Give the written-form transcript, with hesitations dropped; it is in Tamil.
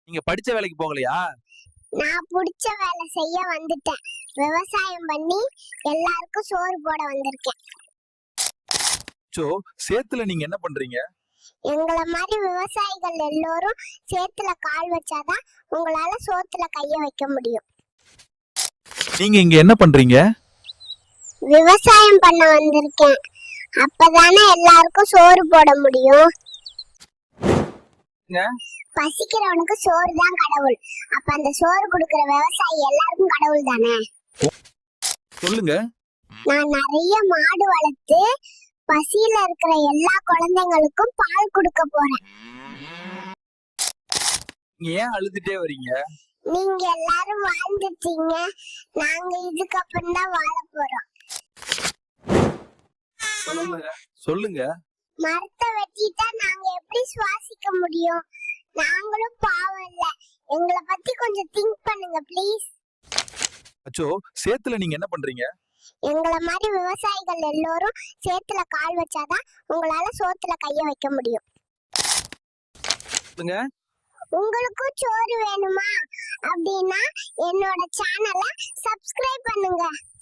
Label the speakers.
Speaker 1: நீங்க படிச்ச வேலைக்கு போகலையா?
Speaker 2: நான் புடிச்ச வேலை செய்ய வந்துட்டேன். விவசாயம் பண்ணி எல்லாருக்கும் சோறு போட வந்திருக்கேன்.
Speaker 1: சோ சேத்துல நீங்க என்ன பண்றீங்க?
Speaker 2: எங்கள மாதிரி விவசாயிகள் எல்லாரும் சேத்துல கால் வச்சாதான் உங்களால சோத்துல கைய வைக்க முடியும்.
Speaker 1: நீங்க இங்க என்ன பண்றீங்க?
Speaker 2: விவசாயம் பண்ண வந்திருக்கேன். அப்பதானே எல்லாருக்கும் சோறு போட முடியும். பசிக்கிறவனுக்கு சோறு தான் கடவுள். அப்ப அந்த சோறு கொடுக்கிற விவசாயி எல்லாருக்கும் கடவுள் தானே.
Speaker 1: சொல்லுங்க.
Speaker 2: நான் நிறைய மாடு வளர்த்து பசியில இருக்கிற எல்லா குழந்தைங்களுக்கும் பால் கொடுக்க போறேன்.
Speaker 1: ஏன் அழுதுட்டே வரீங்க?
Speaker 2: நீங்க எல்லாரும் வாழ்ந்துட்டீங்க, நாங்க இதுக்கப்புறம் தான் வாழ போறோம்.
Speaker 1: சொல்லுங்க.
Speaker 2: மரத்தை வெட்டிட்டா நாங்க எப்படி சுவாசிக்க முடியும்? நாங்களும் பாவம் இல்ல, எங்களை பத்தி கொஞ்சம் திங்க் பண்ணுங்க ப்ளீஸ்.
Speaker 1: அச்சோ சேத்துல நீங்க என்ன பண்றீங்க?
Speaker 2: எங்கள மாதிரி விவசாயிகள் எல்லாரும் சேத்துல கால் வச்சாதான் உங்களால சோத்துல கைய வைக்க முடியும். உங்களுக்கும் சோறு வேணுமா? அப்படின்னா என்னோட சேனலை சப்ஸ்கிரைப் பண்ணுங்க.